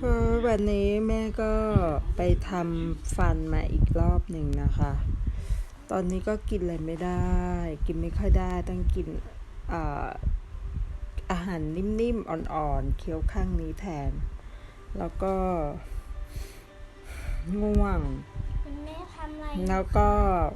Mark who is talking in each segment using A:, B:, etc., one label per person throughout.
A: วันนี้แม่ก็ไปทำฟันมาอีกรอบหนึ่งนะคะ ตอนนี้ก็กินอะไรไม่ได้ กินไม่ค่อยได้ต้องกินอาหารนิ่มๆอ่อนๆเคี้ยวข้างนี้แทน แล้วก็ง่วงแล้วก็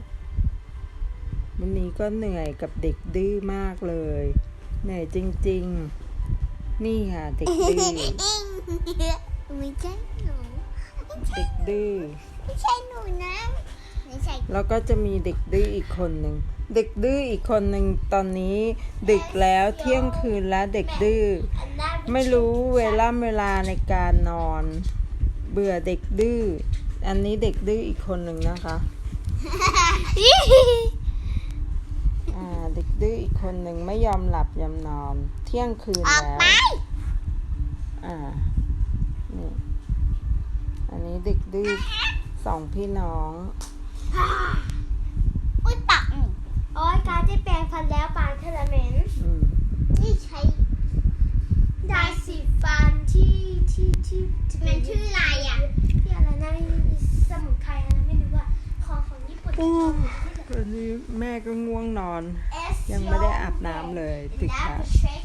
A: วันนี้ก็เหนื่อยกับเด็กดื้อมากเลยเหนื่อยจริงๆนี่ค่ะเด็กดื้อ
B: ไม่ใช่หนู
A: เด็กดื้อ
B: ไม่ใช่หนูนะไม่ใช่
A: แล้วก็จะมีเด็กดื้ออีกคนหนึ่งเด็กดื้ออีกคนหนึ่งตอนนี้ดึกแล้วเที่ยงคืนแล้วเด็กดื้อไม่รู้เวลาในการนอนเบื่อเด็กดื้ออันนี้เด็กดื้ออีกคนหนึ่งนะคะเด็กดื้ออีกคนหนึ่งไม่ยอมหลับยอมนอนเที่ยงคืนแล้วนี่อันนี้เด็กดื้อสองพี่น้อง
B: อุ้ยปักโอ้ยการที่แปรงฟันแล้วปากเทเลเมนนี่ใช้ยาสีฟันที่มันชื่ออะไรอ่ะที่อะไรนะสมุนไพรอะไรไม่รู้ว่าของญี่ปุ่น
A: ตอนนี้แม่ก็ง่วงนอนยังไม่ได้อาบน้ำเลยดึกค่ะ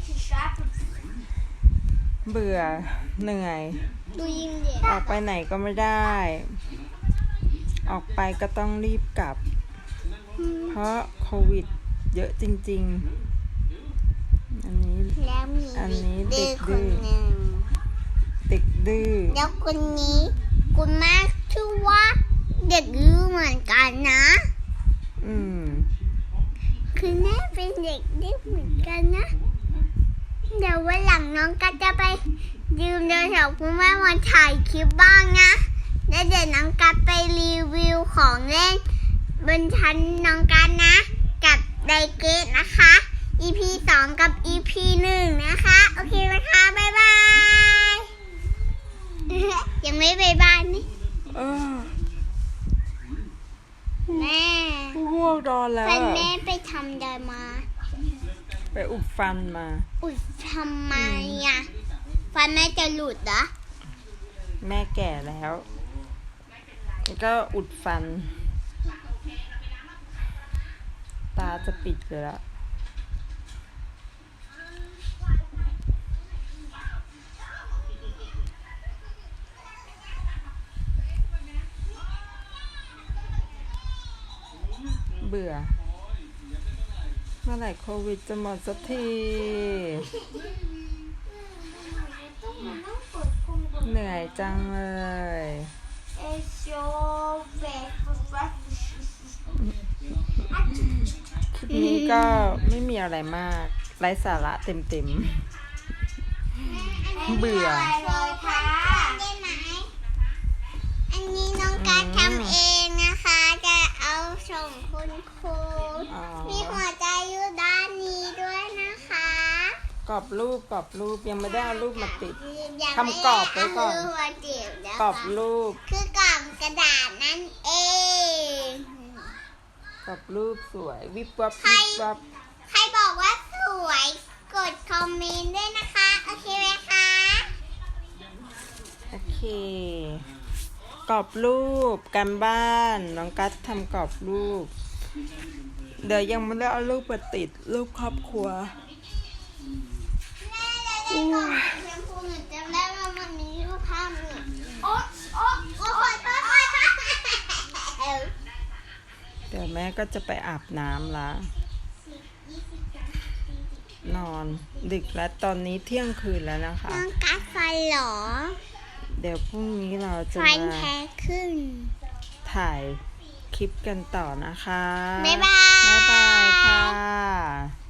A: เบื่อเหนื่อยออกไปไหนก็ไม่ได้ออกไปก็ต้องรีบกลับเพราะโควิดเยอะจริงๆอันนี้เด็กดื้อ
B: แล้วคนนี้คุณแม่ชื่อว่าเด็กดื้อเหมือนกันนะคือแม่เป็นเด็กดื้อเหมือนกันนะเดี๋ยววันหลังน้องก็จะไปยืมโทรศัพท์คุณแม่มาถ่ายคลิปบ้างนะแล้วเดี๋ยวน้องกัดไปรีวิวของเล่นบนชั้นน้องกัดนะกับไดเกตนะคะ EP 2 กับ EP 1 นะคะโอเคไหมคะบ๊ายบายยังไม่บ๊ายบายนี่แม่
A: ง่วงนอนแล้ว
B: ฟันแม่ไปทำได้มา
A: ไปอุดฟันมา
B: อุดทำไมอ่ะฟันแม่จะหลุดเหรอ
A: แม่แก่แล้วก็อุดฟันตาจะปิดเลยละเบื่อเมื่อไหร่โควิดจะหมดสักทีเหนื่อยจังเลยคลิปนี้ก็ไม่มีอะไรมากไร้สาระเต็มเบื่อ
B: อันนี้น้องการทำเองนะคะจะเอาส่งคุณครูมีหัวใจอยู่ด้านนี้ด้วยนะคะ
A: กรอบรูปยังไม่ได้เอารูปมาติดทำกรอบไว้ก่อนกรอบรูป
B: คือกรอบกระดาษนั่นเอง
A: กรอบรูปสวยวิบวับ
B: ใครบอกว่าสวยกดคอมเมนต์ด้วยนะคะโอเคไหมคะ
A: โอเคกรอบรูปการบ้านน้องกัสทำกรอบรูปเดี๋ยวยังไม่ได้เอารูปมาติดรูปครอบครัวเดี๋ยวแม่ก็จะไปอาบน้ำละนอนดึกแล้วตอนนี้เที่ยงคืนแล้วนะคะ
B: น้องกัดฟันหรอ
A: เดี๋ยวพรุ่งนี้เราจะ
B: มา
A: ถ่ายคลิปกันต่อนะคะ
B: บ๊ายบาย
A: ค่ะ